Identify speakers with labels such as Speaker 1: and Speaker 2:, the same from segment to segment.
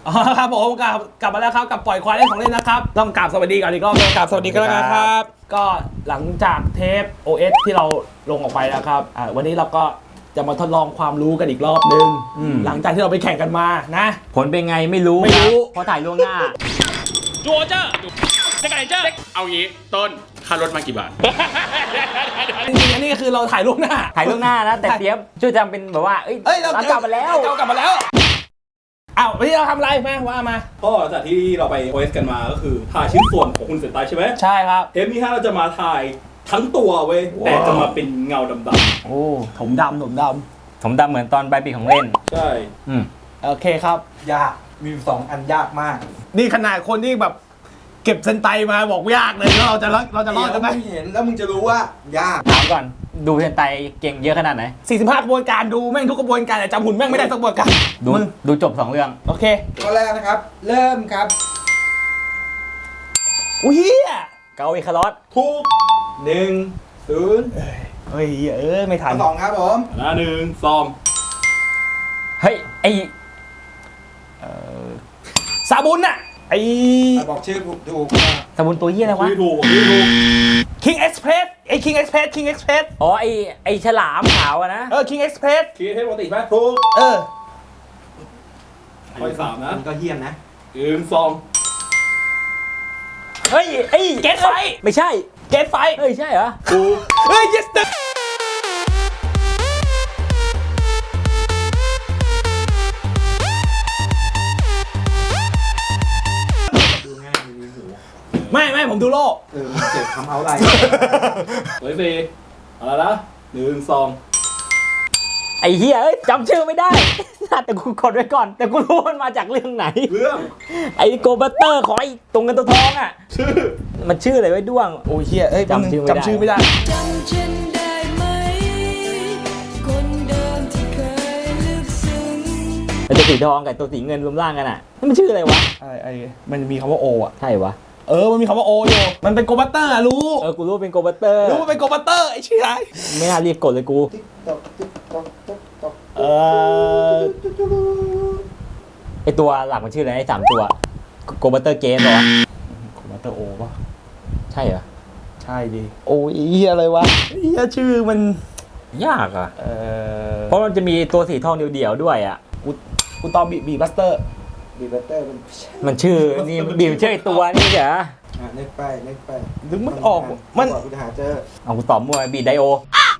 Speaker 1: อ๋อครับผมกลับมาแล้วครับกับปล่อยควายเล่นของเล่นนะครับต้องกราบสวัสดีก่อนอีกรอบกราบสวัสดีกันแล้วนะครับ ก็หลังจากเทป OS ที่เราลงออกไปแล้วครับวันนี้เราก็จะมาทดลองความรู้กันอีกรอบนึงหลังจากที่เราไปแข่งกันมานะ
Speaker 2: ผลเป็นไงไม่รู้เพราะถ่ายล่วงหน้า
Speaker 3: จัวเจ้าจะไก่เจ้าเอางี้ต้นค่ารถมากี่บาท
Speaker 1: จริงๆอันนี้คือเราถ่ายล่วงหน้า
Speaker 2: นะแต่เปียบช่วยจำเป็นแบบว่าเรากลับมาแล้ว
Speaker 1: วันนี้เราทำอะไรแม่ว่ามา
Speaker 4: ก็จากที่เราไป OS กันมาก็คือถ่ายชิ้นส่วนของคุณเซนไตใช่ไหม
Speaker 1: ใช่ครับ
Speaker 4: เทปนี้เราจะมาถ่ายทั้งตัวเว้ยแต่จะมาเป็นเงาดำ
Speaker 1: ๆโอ้ถมดำเห
Speaker 2: มือนตอนใบปีของเล่น
Speaker 4: ใช่
Speaker 1: โอเคครับ
Speaker 5: ยากมี2 อันยากมาก
Speaker 1: นี่ขนาดคนที่แบบเก็บเซนไตมาบอกยากเลยแล้วเราจะรอดกันไหม
Speaker 5: เห็นแล้วมึงจะรู้ว่ายาก
Speaker 2: ถามก่อนดูเซนไตเก่งเยอะขนาดไหน
Speaker 1: 45กระบวนการดูแม่งทุกกระบวนการแต่จำหุ่นแม่งไม่ได้สักกระบวนการ
Speaker 2: ดูจบ2เรื่อง
Speaker 1: โอเค
Speaker 5: ข้อแรกนะครับเริ่มครับ
Speaker 1: อุ้ย
Speaker 2: เกาอีคารอส
Speaker 5: ถูก1-0
Speaker 1: เฮ้ยไม่ทัน
Speaker 5: 2ครับผม
Speaker 4: 1-2
Speaker 2: เฮ้ยไอ
Speaker 1: ซาบุนน่ะ
Speaker 5: บอกชื่อถูก
Speaker 2: ซาบุนตัวเหี้ยอะไรวะ
Speaker 4: ถูก
Speaker 1: King Express King Express
Speaker 2: อ๋อไอฉลามขาวอะนะ
Speaker 1: King Express
Speaker 4: คิดให้ปกติไหมถูกข้อที่3นะ
Speaker 5: มันก็เฮี้ยมนะ
Speaker 4: 1-2
Speaker 2: เฮ้ย
Speaker 1: เกตไฟ
Speaker 2: ไม่ใช่
Speaker 1: เกตไฟ
Speaker 2: เฮ้ยใช่เหรอ
Speaker 4: ถูก
Speaker 1: yes ไม่ผมดูโลก
Speaker 5: มันเจ็บทำเอาอะไร
Speaker 4: ตัวที่4อะไรนะ1-2
Speaker 2: ไอ้เหี้ยจำชื่อไม่ได้แต่กูกดไว้ก่อนแต่กูรู้มันมาจากเรื่องไหนไอ้โกบัตเตอร์ของไอ้ตรงเงินตัวทองอ่ะมันชื่ออะไรไว้ด้วง
Speaker 1: โอ้ยเหี้ยจำชื่อไม่ได้จำฉันได้ไหมคนเดิมที่เคยลึกซึ้ง
Speaker 2: ไอ้ตัวสีทองกับตัวสีเงินรวมร่างกันอ่ะมันชื่ออะไรวะ
Speaker 1: มันมีคำว่าโออ่ะ
Speaker 2: ใช่วะ
Speaker 1: มันมีคำว่าโออยู่มันเป็นโกบัตเตอร์รู้
Speaker 2: กูรู้เป็นโกบัตเตอร์
Speaker 1: รู้ว่าเป็นโกบัตเตอร์ไอ้ชี้ไร
Speaker 2: ไม่น่ารีบกดเลยกูไอตัวหลักมันชื่ออะไรไอ้3ตัวโกบัตเตอร์เกมเหรอ
Speaker 1: โกบัตเตอร์โอป่ะ
Speaker 2: ใช่เหรอ
Speaker 1: ใช่ดิโอ้ยอะไรวะชื่อมัน
Speaker 2: ยากอ่ะเพราะมันจะมีตัวสีทองเดี่ยวๆด้วยอ่ะ
Speaker 1: กูตอบบีบัสเตอร์
Speaker 2: มันชื่อนี่บีมชื่อไอตัวนี่เหรอ
Speaker 5: นึกไป
Speaker 1: นึกไม่ออกมัน
Speaker 5: กูจะหาเจอ
Speaker 2: เอากูตอบมั่วบีไดโอ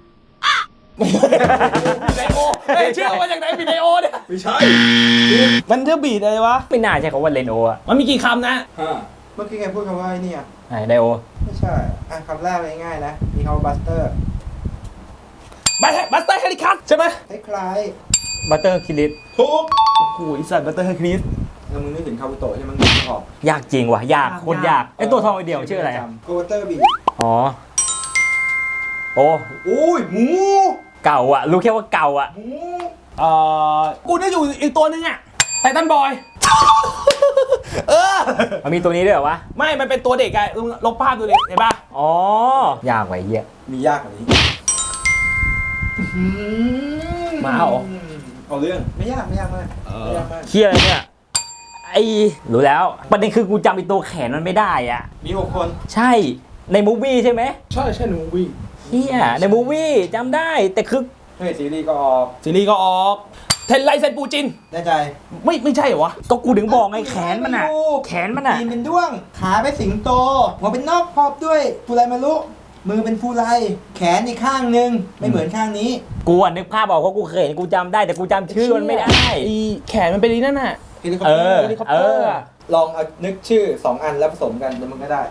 Speaker 1: ชื่อมาจากไหนบีไดโอเนี่ย
Speaker 4: ไม่ใช่
Speaker 1: มันชื่อบีอะไรวะ
Speaker 2: ไม่น่าใช่คำว่าเลนโออ่ะ
Speaker 1: มันมีกี่คำนะ
Speaker 5: เมื่อกี้ไงพูดคำว่าไอ้นี่อ่ะ
Speaker 2: ไดโอ
Speaker 5: ไม่ใช่คำแรกเลยง่ายนะมีคำว่าบัสเตอร์
Speaker 1: เฮลิคัสใช่ไหม
Speaker 5: คล้าย
Speaker 2: บัตเตอร์คิริส
Speaker 4: ถูก
Speaker 1: โอ้โหอีสัตว์บัตเตอร์เฮลิคัส
Speaker 5: มึงนึกถึงคาบุโตะใช่ไหมมึงนึกออก
Speaker 2: ยากจริงว่ะยากโคตรยากไอตัวทองเดียวชื่ออะไร
Speaker 5: โกบัตเตอร์บี
Speaker 2: อ๋อโอ้
Speaker 5: ยหมู
Speaker 2: เก่าอ่ะรู้แค่ว่าเก่าอ่ะ
Speaker 1: กูนึกอยู่อีกตัวนึงอ่ะไททันบอย
Speaker 2: มันมีตัวนี้ด้วยเหรอวะ
Speaker 1: ไม่มันเป็นตัวเด็กไงลบภาพดูเลยเห็นป่ะ
Speaker 2: อ๋อยากไว้เหี้ย
Speaker 5: มียากกว่านี้
Speaker 1: มา
Speaker 4: เอาเรื่อง
Speaker 5: ไม่ยากมาก
Speaker 2: เหี้ยเนี่ยไอ้รู้แล้วประเด็นคือกูจำไอ้ตัวแขนมันไม่ได้อ่ะ
Speaker 5: มี6 คน
Speaker 2: ใช่ในมูฟวี่ใช่ไหม
Speaker 4: ใช่ในมูฟวี่
Speaker 2: เฮียในมูฟวี่จำได้แต่คือ
Speaker 5: ซีรีส์ก็ออก
Speaker 1: เทนไลเซนปูจิน
Speaker 5: แน่ใจ
Speaker 1: ไม่ใช่เหรอวะ
Speaker 2: ก็กูถึงบอกไงแขนมันอ่ะ
Speaker 5: ตีนเป็นด้วงขาเป็นสิงโตหัวเป็นนกครอบด้วยฟูไรมารุมือเป็นฟูไรแขนอีกข้างนึงไม่เหมือนข้างนี้
Speaker 2: กูนึกภาพออกเพราะกูเคยเห็นกูจำได้แต่กูจำชื่อมันไม่ได้
Speaker 1: แขนมันเป็นนั่นน่ะ
Speaker 5: เฮลิคอปเตอร์ลองเอานึกชื่อ2 อันแล้วผสมกันแล้วมันก็ได้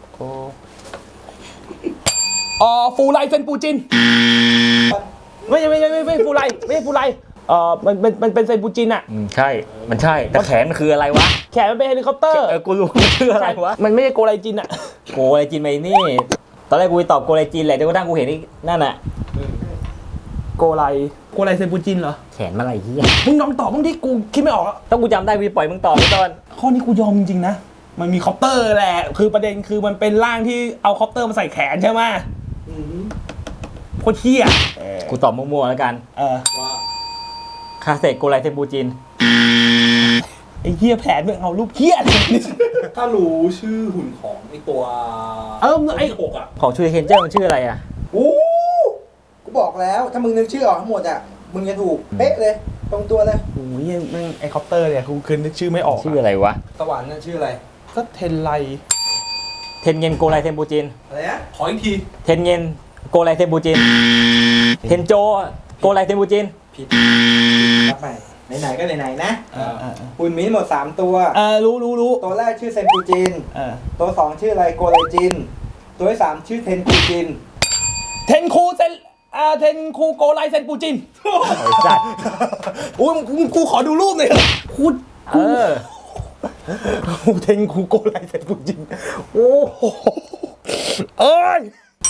Speaker 1: ฟูไลเซนปูจินไม่ฟูไลไม่ใช่ฟูไลมันเป็นเซนปูจินอ่ะ
Speaker 2: ใช่มันใช่แต่แขนมันคืออะไรวะ
Speaker 1: แขนมันเป็นเฮลิคอปเตอร์
Speaker 2: กูรู้มันคืออะไรวะ
Speaker 1: มันไม่ใช่โกไลจินอ่ะ
Speaker 2: โกไลจินไปนี่ตอนแรกกูตอบโกไลจินแหละจนกระทั่งกูเห็นนี่นั่นน่ะ
Speaker 1: โกไลเซนปูจินเหรอ
Speaker 2: แขนมาอะไรเหี้ย
Speaker 1: มึงลองตอบบ้างที่กูคิดไม่ออก
Speaker 2: ต้องกูจำได้กูปล่อยมึงตอบไปตอน
Speaker 1: ข้อนี้กูยอมจริงๆนะมันมีคอปเตอร์แหละคือประเด็นคือมันเป็นร่างที่เอาคอปเตอร์มาใส่แขนใช่ไหมโคตรเหี้ย
Speaker 2: กูตอบมั่วๆแล้วกัน
Speaker 1: ว่า
Speaker 2: คาเซโกไลเซนปูจิน
Speaker 1: อ้เหี้ยแผนมึงเอารูปเหี้ยอะไรนี่
Speaker 4: ถ้ารู้ชื่อหุ่นของไอตัว
Speaker 1: ไอ้
Speaker 4: หกอ่ะ
Speaker 2: ของชูริเคนเจอร์มันชื่ออะไรอ่ะ
Speaker 5: อู้กูบอกแล้วถ้ามึงนึกชื่อออกทั้งหมดอ่ะมึงจะถูกเป๊ะเลยตรงตัวเลย
Speaker 1: โอ้ยแม่งไอ้คอปเตอร์เนี่ยกูคืนนึกชื่อไม่ออก
Speaker 2: ชื่ออะไรวะ
Speaker 5: สวรรค์น่ะชื่ออะไร
Speaker 1: ก็เทนไล
Speaker 2: เทนเงินโกไลเทมปูจิน
Speaker 5: อะไรนะ
Speaker 4: ขออีกที
Speaker 2: เทนเงินโกไลเทมปูจินเทนโจโกไลเทมปูจิน
Speaker 5: ผิดรับไปไหนๆก็ไหนๆนะ
Speaker 1: เออ
Speaker 5: หุ่นมีทั้งหมด3ตัว
Speaker 1: รู้
Speaker 5: ตัวแรกชื่อเซนปูจิน
Speaker 1: เออ
Speaker 5: ตัว2ชื่ออะไรโกไลจินตัวที่3ชื่อเทนปูจิน
Speaker 1: เทนคูโกไลเซนปูจิน
Speaker 2: ไอ้สัตว์
Speaker 1: อุ้ยกูขอดูรูปหน่อยเถอะพูด
Speaker 2: เออ
Speaker 1: เทนคูโกไลเซนปูจินโอ้โหเอ้ย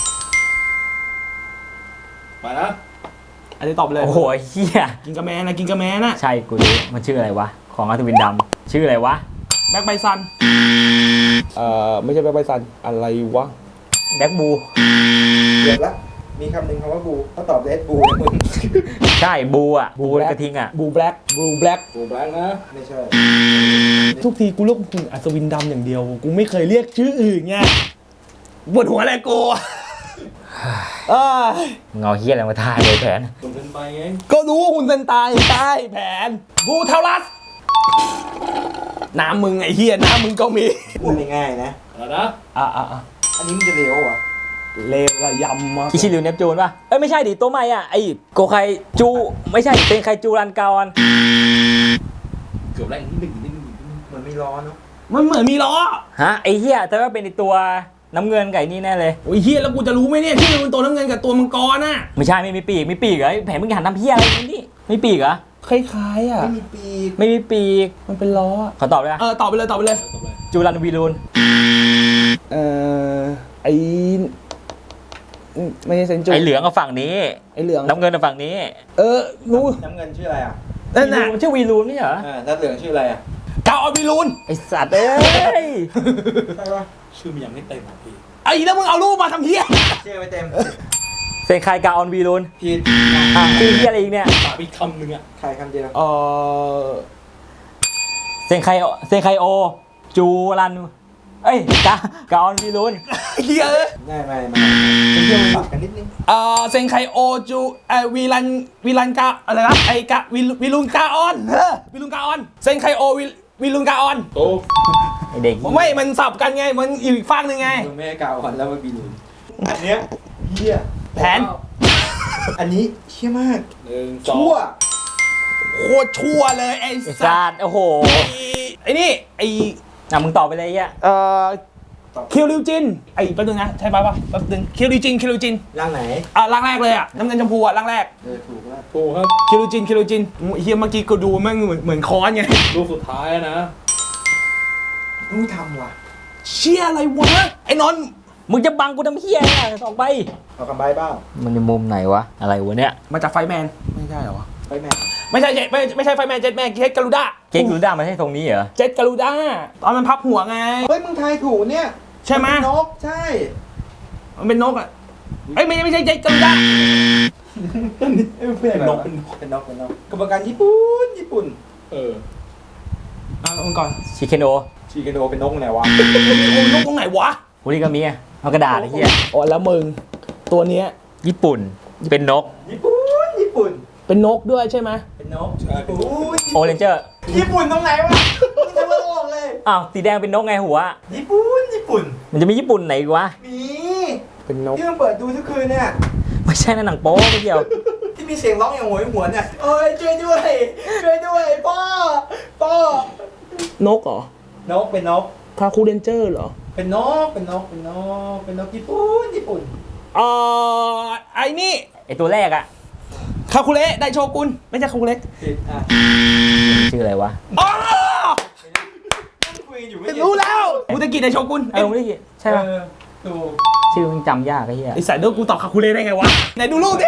Speaker 4: ไปนะ
Speaker 1: อันนี้ตอบเลย
Speaker 2: โอ้โหเฮีย
Speaker 1: กินกระแมนะกินกระแมนะ
Speaker 2: ใช่กูรู้มันชื่ออะไรวะ ของอัศวินดำชื่ออะไรวะ
Speaker 1: แบ็คไบซันไม่ใช่แบ็คไบซันอะไรวะ
Speaker 2: แบ็กบู
Speaker 5: เดี๋ยวละมีคำหนึ่งคำว่าบูเขาตอบเรดบูนะมึง
Speaker 2: ใช่บูอ่ะ บูกระทิงอ่ะ
Speaker 1: บูแบล็ก
Speaker 4: ดูแบล็กนะ
Speaker 5: ไม่ใช่
Speaker 1: ทุกทีกูเรียกคุณอัศวินดำอย่างเดียว กูไม่เคยเรียกชื่ออื่นไงปวดหัวอะไรกู
Speaker 2: เงาเฮียอะไรมาทายเลยแผน
Speaker 4: คนเป็นไปไง
Speaker 1: ก็รู้ว่าคุณเซนตายใช่แผนบูเทาลัสน้ำมึงไอ้เฮียน้ำมึงก็มี
Speaker 5: พูดง่ายๆนะ
Speaker 4: แล้วนะ
Speaker 5: อันนี้มันจะเร็วอ่ะ
Speaker 1: เลวระยำมาก
Speaker 2: คิชิริวเนปจูนป่ะ เอ้ยไม่ใช่ดิตัวใหม่อ่ะไอโกไคจูไม่ใช่เป็นไคจูรันกาอน
Speaker 4: เกือบแรกนิดนึง
Speaker 5: มันไม่ร้อนเนาะ
Speaker 1: มันเหมือนมีล้อ
Speaker 2: ฮะไอเฮียแต่ว่าเป็นไอตัวน้ำเงินไก่นี่แน่เลย
Speaker 1: โอ้ยเฮียแล้วกูจะรู้ไหมเนี่ยชื่อมันตัวน้ำเงินกับตัวมังกรน่ะ
Speaker 2: ไม่ใช่ไม่มีปีกมีปีกเหรอไอ้แผนมึงหันทำเฮียอะไรนี่ไม่ปีกเหรอ
Speaker 1: คล้ายๆอ่ะ
Speaker 5: ไม่มีปีก
Speaker 2: ไม่มีปีก
Speaker 1: มันเป็นล้อ
Speaker 2: ขอตอบเลยนะ
Speaker 1: ตอบไปเลยตอบไปเลย
Speaker 2: จูรันวีรูน
Speaker 1: ไอไม่ใช่เซนจู
Speaker 2: ไอเหลืองกับฝั่งนี้
Speaker 1: ไอเหลือง
Speaker 2: น้ำเงินกับฝั่งนี้
Speaker 1: รู้
Speaker 5: น้ำเงินชื่ออะไรอ่ะ
Speaker 1: นั่นน่ะ
Speaker 2: มันชื่อวีรูนไม่ใช่เหรอ
Speaker 5: น้ำเหลืองชื่ออะไรอ่ะ
Speaker 1: กาออบิลูน
Speaker 2: ไอสัตว์เอ้ย
Speaker 5: ใช่ปะ
Speaker 4: ชื่อมันยังไม่เต็มอ่ะพี่
Speaker 1: ไอ้แล้วมึงเอารูปมาทำเฮีย
Speaker 5: ชื่อไม่เต็ม
Speaker 2: เซนไคกาออนวีรูน
Speaker 5: ผิด
Speaker 2: อ่ะชื่อเฮียอะไรอีกเนี่ย
Speaker 4: ตามอีกคำหนึ่งอ่ะ
Speaker 5: ใครคำเดียว
Speaker 2: เซนไคโอจูรันเอ้ยกาออนวีรูน
Speaker 1: เฮีย
Speaker 5: ไม่ปรับกันนิดนึง
Speaker 1: เซนไคโอจูวิลันกาอะไรนะไอกะวิลุนกาออนวิลุนกาออนเซนไคโอวิลุนกาออน
Speaker 4: โต
Speaker 2: ไอเด็ก
Speaker 1: ไม่มันสับกันไงมันอยู่อีกฝั่งหนึ่งไง
Speaker 5: มึงไม่ให้กล่าวก่อนแล้วมันบีรูนอันเนี้ยเหี้ย
Speaker 1: แผน
Speaker 5: อันนี้เชี่ยมาก
Speaker 4: 1 2
Speaker 5: ชั่ว
Speaker 1: โคตรชั่วเลยไอ้
Speaker 2: ไอ
Speaker 1: สั
Speaker 2: สั
Speaker 1: ต
Speaker 2: ตว์โอ้โห
Speaker 1: ไอ้นี่ไอ้
Speaker 2: อ่ะมึงตอบไปเลยไอ้เฮีย
Speaker 1: คิวริวจินไอ้แป๊บนึงนะใช่ป่ะแป๊บนึงคิวริวจิน
Speaker 5: ร่างไหน
Speaker 1: ร่างแรกเลยอ่ะน้ำเงินชมพูอ่ะร่างแรก
Speaker 5: ถูกแล้ว
Speaker 4: ถูกครับ
Speaker 1: คิวริวจินเฮียเมื่อกี้กูดูแม่งเหมือนค้อนไง
Speaker 4: รูปสุดท้ายนะ
Speaker 5: ต้องทำว่ะ
Speaker 1: เชี่ยอะไรวะไอ้นนท์
Speaker 2: มึงจะบังกูทำเฮียอ่ะออกไป
Speaker 5: เอาคำใบ้เปล่า
Speaker 2: มันในมุมไหนวะอะไรวะเนี่ย
Speaker 1: มาจากไฟแมนไม่ใช่เหรอวะ
Speaker 5: ไปแม่
Speaker 1: ไม่ใช่ไฟแมนเจ็ตแมนเจ็ตกาลูด้า
Speaker 2: เก๊กรูด้ามันใช่ตรงนี้เหรอ
Speaker 1: เจ็ตกาลูด้าตอนมันพับหัวไง
Speaker 5: เฮ้ยมึงทายถูกเนี่ย
Speaker 1: ใช่ไหม
Speaker 5: นกใช่
Speaker 1: มันเป็นนกอ่ะเอ้ยไม่ใช่เจ็ตกาลูด้า
Speaker 5: เป็นนกเป็นนกกรรมการญี่ปุ่น
Speaker 4: เออ
Speaker 1: มันก่อน
Speaker 2: ชิเคนโอ
Speaker 5: ชีกันโดเป็นนกไหนวะ
Speaker 1: นกตรงไหนวะ
Speaker 2: ฮูริกามิอะเอากระดาษไอ้เหี้ย
Speaker 1: อ๋อแล้วมึงตัวเนี้ย
Speaker 2: ญี่ปุ่นเป็นนก
Speaker 5: ญี่ปุ่น
Speaker 1: เป็นนกด้วยใช่ไหม
Speaker 5: เป็นนก
Speaker 4: ใช่เป็นนก
Speaker 2: โอเรนเจอร์
Speaker 5: ญี่ปุ่นตรงไหนวะมึงจะมาบอกเลย
Speaker 2: อ้าวสีแดงเป็นนกไงหัว
Speaker 5: ญี่ปุ่น
Speaker 2: มันจะมีญี่ปุ่นไหนอีกวะ
Speaker 5: มี
Speaker 1: เป็นนก
Speaker 5: ที่มึงเปิดดูทุกคืนเนี่ย
Speaker 2: ไม่ใช่นะหนังโป๊ไม่เกี่ยว
Speaker 5: ที่มีเสียงร้องอย่างโหยหวนเนี่ยเอ้ยช่วยด้วยพ่อน
Speaker 1: กเหรอน
Speaker 5: กเป็นนก
Speaker 1: คาคูเรนเจอร์เหรอ
Speaker 5: เป็นนกญี่ปุ่น
Speaker 1: ไอ้นี่
Speaker 2: ไอตัวแรกอะ
Speaker 1: คาคูเระไดโชกุนไม่ใช่คาคูเระ
Speaker 5: ผิดอ่ะ
Speaker 2: ชื่ออะไรวะ
Speaker 1: อ๋อ
Speaker 5: คุยอยู่ไม่
Speaker 1: รู้แล้วมุตกิไดโชกุน
Speaker 2: เออไม่ได้ยินใช่ปะ
Speaker 5: ถูก
Speaker 2: ชื่อมันจำยากไอ้เหี้ย
Speaker 1: ไอสายเด้อกูตอบคาคูเระได้ไงวะไหนดูรูปดิ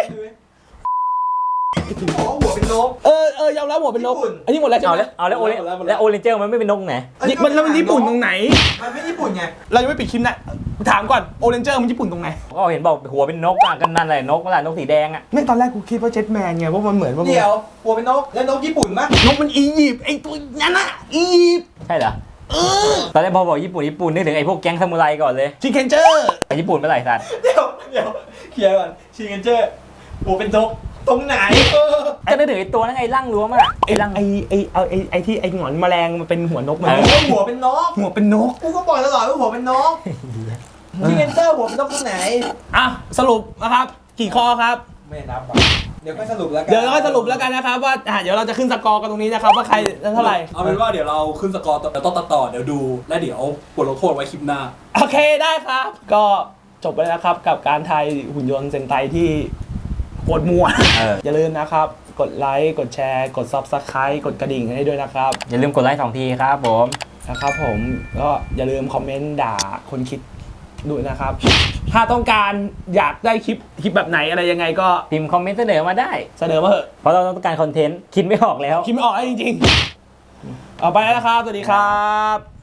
Speaker 5: อ๋อหัวเป็นนก
Speaker 1: ยอมรับหัวเป็นนก
Speaker 5: ญี่ปุ่น
Speaker 1: อันนี้หมดแล้วใช่
Speaker 2: เอา
Speaker 1: ไหม
Speaker 2: แล้วโอเรนเจอร์มันไม่เป็นนกไหน
Speaker 1: มันญี่ปุ่นตรงไหน
Speaker 5: มันไม่ญี่ปุ่นไง
Speaker 1: เรายังไม่ปิดคลิปนะถามก่อนโอเรนเจอร์มันญี่ปุ่นตรงไหน
Speaker 2: ก็เห็นบอกหัวเป็นนกอ่ะกันนั่นแหละนกนั่นแหละนกสีแดงอ่ะ
Speaker 1: แม่งตอนแรกกูคิดว่าเจ็ตแมนไงเพราะมันเหมือนว่า
Speaker 5: เดี๋ยวหัวเป็นนกแล้วนกญี่ปุ่นมั้ย
Speaker 1: นกมันอียิปต์ไอ้ตัวนั้นอะอียิปต์
Speaker 2: ใช่เหรอตอนแรกพอบอกญี่ปุ่นนึกถึงไอ้พวกแก๊งซามูไรก่อนเลย
Speaker 1: ชิคเก้นเจอร์
Speaker 2: ไปญี่ปุ่นเมื่อไหร่สัตว์
Speaker 5: เดี๋ยวเคลียร์ก่อนชิงเกนเจอร์หัวเป็นนกตรงไหน
Speaker 2: ก็นึกถึงไอ้ตัวนั่นไงร่างล้วมอ่ะ
Speaker 1: ไอ้รังไอ้ที่ไอ้หงอนแมลงมันเป็นหัวนกมัน
Speaker 5: หัวเป็นนก
Speaker 1: หัวเป็นนก
Speaker 5: กูก็บอกตลอดว่าหัวเป็นนกชิงเกนเจอร์หัวเป็นนกตรงไหน
Speaker 1: อ่ะสรุปนะครับกี่ข้อครับ
Speaker 5: ไม่นับอ่ะเดี๋ยวค่อยสรุปแล้วกัน
Speaker 1: เดี๋ยวเราก็สรุปแล้วกันนะครับว่าเดี๋ยวเราจะขึ้นสกอร์กันตรงนี้นะครับว่าใครเท่าไหร่
Speaker 4: เอาเป็นว่าเดี๋ยวเราขึ้นสกอร์แต่ต้องตัดต่อเดี๋ยวดูและเดี๋ยวบทลงโทษไว้คลิปหน้า
Speaker 1: โอเคได้ครับ ก็จบไปแล้วนะครับกับการทายหุ่นยนต์เซนไตที่โคตรมัว อย่าลืมนะครับ กดไลค์กดแชร์กด Subscribe กดกระดิ่งให้ด้วยนะครับ
Speaker 2: อย่าลืมกดไลค์2 ทีครับผม
Speaker 1: นะครับผมก็อย่าลืมคอมเมนต์ด่าคนคิดด้วยนะครับ ถ้าต้องการอยากได้คลิปแบบไหนอะไรยังไงก็
Speaker 2: พิมพ์คอมเมนต์เสนอมาได้
Speaker 1: เสนอมาเถอะ
Speaker 2: เพราะเราต้องการคอนเทนต์คิดไม่ออกแล้ว
Speaker 1: คิดไม่ออกแล้วจริงๆเอาไปแล้วนะครับ สวัสดีครับ